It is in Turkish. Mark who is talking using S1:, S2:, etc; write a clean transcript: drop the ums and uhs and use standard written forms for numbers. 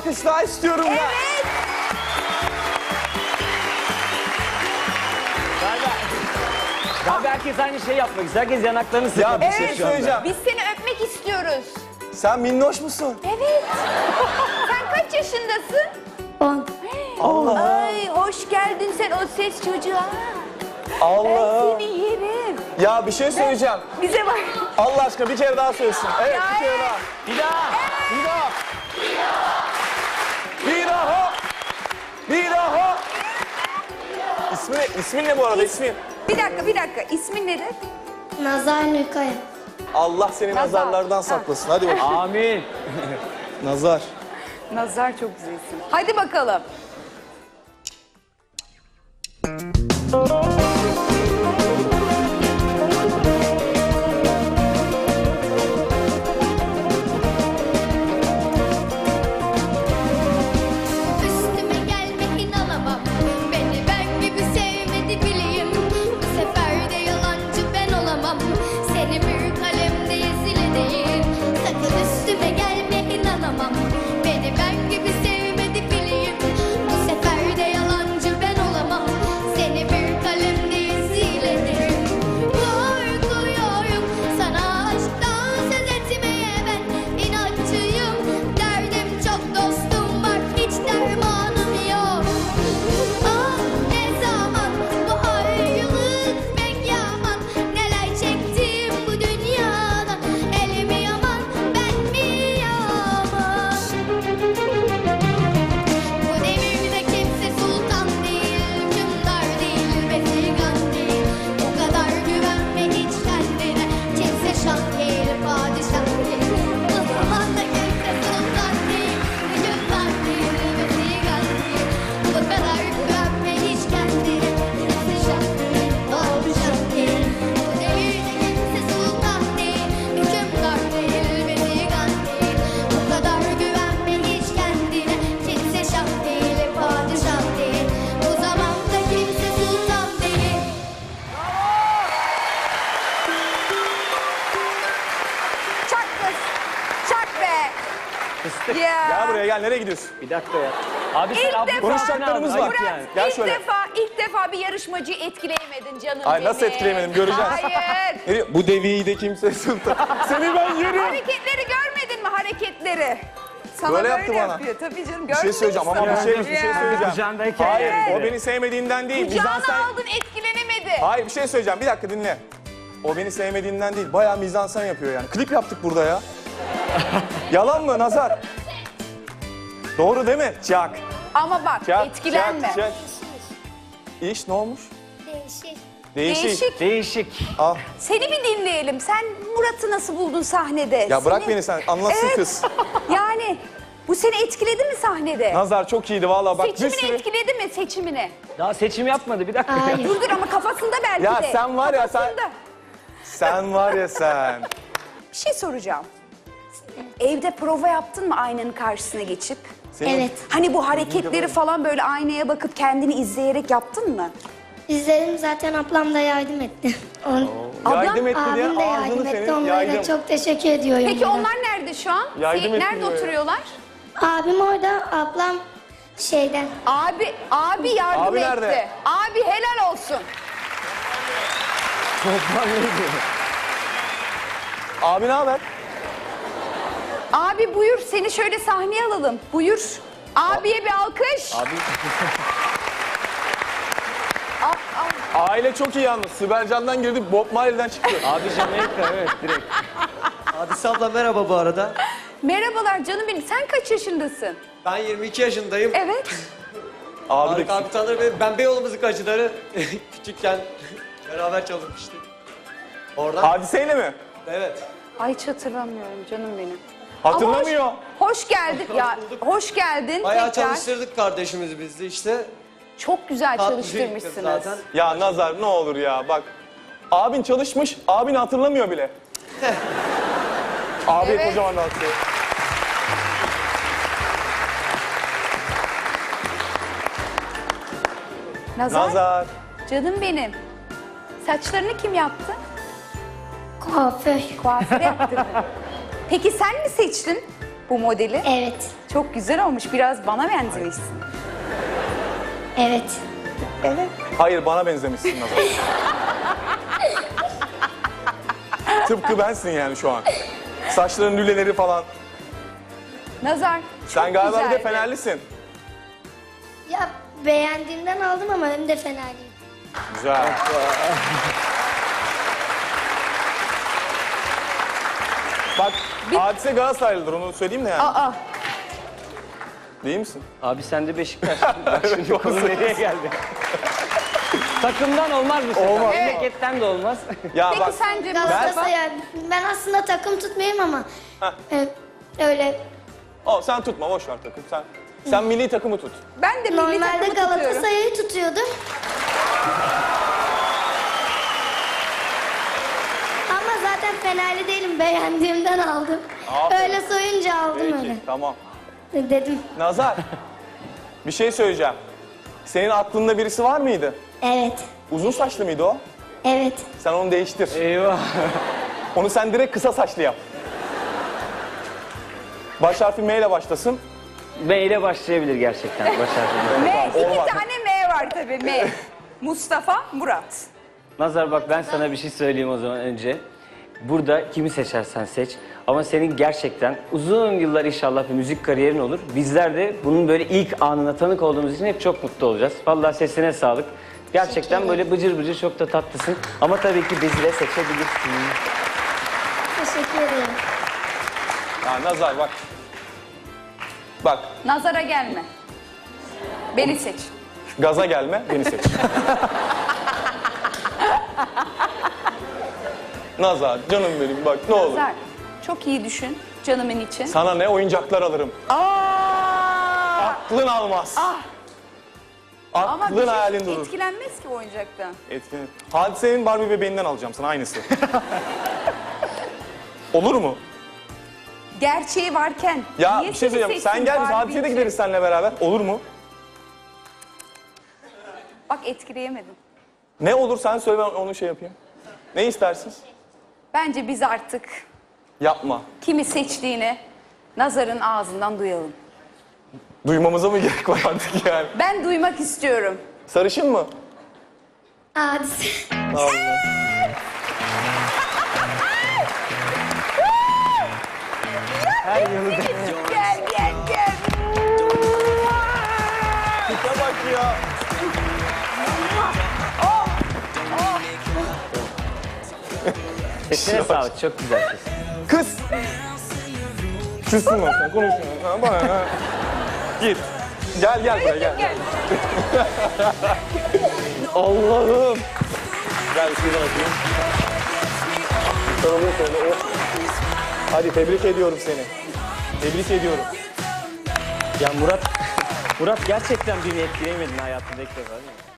S1: alkış daha istiyorum ben.
S2: Evet.
S3: Galiba herkes aynı şeyi yapmak istiyor. Herkes yanaklarını sıkıyor.
S1: Ya bir şey söyleyeceğim.
S2: Biz seni öpmek istiyoruz.
S1: Sen minnoş musun?
S2: Evet. Sen kaç yaşındasın?
S4: 10.
S1: Allah.
S2: Ay hoş geldin sen o ses çocuğa.
S1: Allah.
S2: Ben seni yerim.
S1: Ya bir şey söyleyeceğim.
S2: Bize bak.
S1: Allah aşkına bir kere daha söylesin. Evet
S2: Ya
S1: bir kere
S2: evet.
S1: daha.
S3: Bir daha.
S1: Bir daha. Bir daha. Bir daha. İsmin ne bu arada ismin?
S2: Bir dakika. İsmin nedir?
S4: Nazar Nükaya.
S1: Allah seni
S2: Nazar.
S1: nazarlardan saklasın. Hadi bakayım.
S3: Amin.
S1: Nazar.
S2: Nazar çok güzel isim. Hadi bakalım.
S5: Üstüme gelme inanamam. Beni ben gibi sevmedi bileyim. Bu sefer de yalancı ben olamam. Seni bir kalemde yazılı değil. Sakın üstüme gelme inanamam. Beni ben gibi sevmedi bileyim. Bu sefer de yalancı ben olamam. Seni bir kalemde yazılı değil. Korkuyorum sana aşktan söz etmeye ben inatçıyım. Derdim çok dostum var hiç dermanım yok. Ah ne zaman bu ayrılık pek yaman. Neler çektim bu dünyada. El mi yaman ben mi yaman. Bu devirde kimse sultan değil, hükümdar değil, besigan değil. O kadar güvenme hiç kendine. Kimse şah değil, padişah değil. Bu zamanda kimse sultan değil, hükümdar değil, besigan değil. O kadar güvenme hiç kendine. Kimse şah değil, padişah değil. Bu devirde kimse sultan değil, hükümdar değil, besigan değil. O kadar güvenme hiç kendine. Kimse şah değil, padişah değil. Bu zamanda kimse sultan değil.
S2: Çak kız. Çak be.
S3: Fıstık.
S2: Ya.
S1: Gel buraya gel. Nereye gidiyorsun?
S3: Bir dakika ya. Abi sen
S2: İlk
S3: abla
S2: defa-
S1: Konuşacaklarımız
S3: Ayıp
S1: var.
S2: Murat,
S3: yani.
S1: Gel
S2: ilk
S1: şöyle.
S2: defa bir yarışmacıyı etkileyemedin canım
S1: Ay
S2: benim.
S1: nasıl etkileyemedim göreceğiz.
S2: Hayır.
S1: Nereye- Bu deviyi de kimse sultan. Seni ben yerim.
S2: Hareketleri görmedin mi hareketleri? Sana
S1: Böyle
S2: böyle,
S1: yaptı bana.
S2: yapıyor. Tabii canım
S1: Bir şey söyleyeceğim ama bir şey söyleyeceğim.
S3: Kucağındayken
S1: Hayır
S3: yani.
S1: o beni sevmediğinden değil.
S2: Kucağına
S1: Mizansen...
S2: aldın etkilenemedi.
S1: Hayır bir şey söyleyeceğim. Bir dakika dinle. O beni sevmediğinden değil. Bayağı mizansen yapıyor yani. Klip yaptık burada ya. Yalan mı Nazar? Doğru değil mi? Çak.
S2: Ama bak
S1: Çak.
S2: etkilenme.
S1: Çak. İş ne olmuş?
S4: Değişik.
S1: Değişik.
S3: Değişik.
S1: Al.
S2: Seni bir dinleyelim. Sen Murat'ı nasıl buldun sahnede?
S1: Ya bırak
S2: Seni-
S1: beni sen. Anlatsın
S2: Evet.
S1: kız.
S2: Yani bu seni etkiledi mi sahnede?
S1: Nazar çok iyiydi valla bak bir
S2: Seçimini
S1: sürü.
S2: etkiledi mi seçimini?
S3: Daha seçim yapmadı bir dakika.
S4: Hayır.
S2: Dur ama kafasında belki
S1: Ya
S2: de.
S1: sen var ya, sen-
S2: Kafasında.
S1: Sen var ya sen.
S2: Bir şey soracağım. Evde prova yaptın mı aynanın karşısına geçip?
S1: Senin-
S4: Evet.
S2: Hani bu hareketleri falan böyle aynaya bakıp kendini izleyerek yaptın mı?
S4: İzledim zaten ablam da yardım etti.
S1: Yardım etti diye
S4: Abim de
S1: ağzını
S4: yardım etti.
S1: senin
S4: Onlara
S1: yaydım.
S4: da çok teşekkür ediyorum.
S2: Peki
S4: buradan.
S2: onlar nerede şu an?
S1: Yardım etti
S2: Nerede
S1: diyor ya.
S2: oturuyorlar?
S4: Abim orada, ablam şeyden.
S2: Abi yardım
S1: Abi
S2: etti.
S1: nerede?
S2: Abi helal olsun.
S1: Abi ne haber?
S2: Abi buyur seni şöyle sahneye alalım. Buyur. Abiye bir alkış.
S3: Abi
S1: Aile çok iyi yalnız. Sibel Can'dan girdi, Bob Marley'den çıktı.
S3: abi Jamaica evet direkt.
S6: Hadise abla merhaba bu arada.
S2: Merhabalar canım benim. Sen kaç yaşındasın?
S6: Ben 22 yaşındayım.
S2: Evet.
S1: Abi
S6: Tarık
S1: de
S6: abi tanır beni. Ben Beyoğlu müzikacıları küçükken beraber çalışmıştık. Oradan.
S1: Hadiseyle mi?
S6: Evet.
S2: Ay hiç hatırlamıyorum canım benim.
S1: Hatırlamıyor.
S2: Ama hoş geldin. Ya
S6: bulduk.
S2: hoş geldin
S6: Bayağı
S2: tekrar.
S6: çalıştırdık kardeşimizi biz de işte.
S2: Çok güzel
S6: Tatlı
S2: çalıştırmışsınız.
S6: zaten.
S1: Ya Nazar ne olur ya bak. Abin çalışmış, abin hatırlamıyor bile. Abi
S2: Evet.
S1: kocaman alkış. Nazar.
S2: Canım benim. Saçlarını kim yaptı?
S4: Kuaför.
S2: Kuaföre yaptırdı. Peki sen mi seçtin? bu modeli?
S4: Evet.
S2: Çok güzel olmuş. Biraz bana benzemişsin.
S4: Evet.
S2: Evet.
S1: Hayır, bana benzemişsin Nazar. Tıpkı bensin yani şu an. Saçların lüleleri falan.
S2: Nazar, çok
S1: Sen galiba bir de
S2: güzeldi.
S1: Fenerlisin.
S4: Ya beğendiğimden aldım ama hem de Fenerliyim.
S1: Güzel. Bak, Hadise Galatasaraylıdır, onu söyleyeyim de yani.
S2: Aa,
S1: Değil misin?
S3: Abi sen de Beşiktaş. Bak şimdi konu nereye geldi? Takımdan olmaz bu sefer.
S1: Olmaz.
S3: Memleketten de olmaz.
S1: Ya
S2: peki
S1: bak,
S2: sence Mustafa?
S4: Galatasaray. Ben aslında takım tutmayayım ama öyle
S1: sen tutma, boş ver takım. Sen milli takımı tut.
S2: Ben de milli
S4: normalde
S2: takımı tutuyorum.
S4: Galatasaray'ı tutuyordum. Ama zaten Fenerli değilim. Beğendiğimden aldım.
S1: Aferin.
S4: Öyle soyunca aldım
S1: Peki,
S4: öyle.
S1: tamam.
S4: Dedim.
S1: Nazar, bir şey söyleyeceğim. Senin aklında birisi var mıydı?
S4: Evet.
S1: Uzun saçlı mıydı o?
S4: Evet.
S1: Sen onu değiştir.
S3: Eyvah.
S1: Onu sen direkt kısa saçlı yap. Baş harfi M ile başlasın.
S3: M ile başlayabilir gerçekten. Baş harfiyle.
S2: M, iki
S1: Olmaz.
S2: tane M var tabii M. Mustafa, Murat.
S3: Nazar bak ben sana bir şey söyleyeyim o zaman önce. Burada kimi seçersen seç. Ama senin gerçekten uzun yıllar inşallah bir müzik kariyerin olur. Bizler de bunun böyle ilk anına tanık olduğumuz için hep çok mutlu olacağız. Vallahi sesine sağlık. Gerçekten böyle bıcır bıcır çok da tatlısın. Ama tabii ki bizi de seçebilirsin.
S4: Teşekkür ederim.
S1: Ya Nazar bak. Bak,
S2: Nazara gelme. Beni seç.
S1: gaza gelme, beni seç. Nazar, canım benim bak ne olur.
S2: Nazar, çok iyi düşün canımın için.
S1: Sana ne oyuncaklar alırım.
S2: Aa!
S1: Aklın almaz.
S2: Ama
S1: Aklın
S2: bir
S1: hayalin
S2: şey
S1: durur.
S2: etkilenmez ki oyuncaktan.
S1: Etkin. Hadise'nin Barbie bebeğinden alacağım sana aynısı. Olur mu?
S2: Gerçeği varken
S1: Ya
S2: niye
S1: bir şey
S2: seni
S1: söyleyeceğim. Sen
S2: seçtin
S1: gel biz
S2: Barbie
S1: Hadise'ye de
S2: için?
S1: gideriz seninle beraber. Olur mu?
S2: Bak etkileyemedim.
S1: Ne olur sen söyle, ben onu şey yapayım. Ne istersin?
S2: Bence biz artık
S1: Yapma.
S2: kimi seçtiğini Nazar'ın ağzından duyalım.
S1: Duymamıza mı gerek var artık yani?
S2: Ben duymak istiyorum.
S1: Sarışın mı?
S4: Hadise.
S1: Allah.
S3: Her yanı da.
S2: Gel gel gel.
S1: Tipe bak ya.
S3: Sesine sağlık. Çok güzel ses.
S1: Kız. Kızsın o sen konuşuyorsun. Ha, bana ha. Git. Gel buraya gel.
S2: Gel.
S1: Allah'ım. Gel şuradan atayım. Sarılıyor şöyle. Oh. Hadi tebrik ediyorum seni. Tebrik ediyorum.
S3: Ya Murat gerçekten beni etkileyemedin hayatında ilk defa değil mi?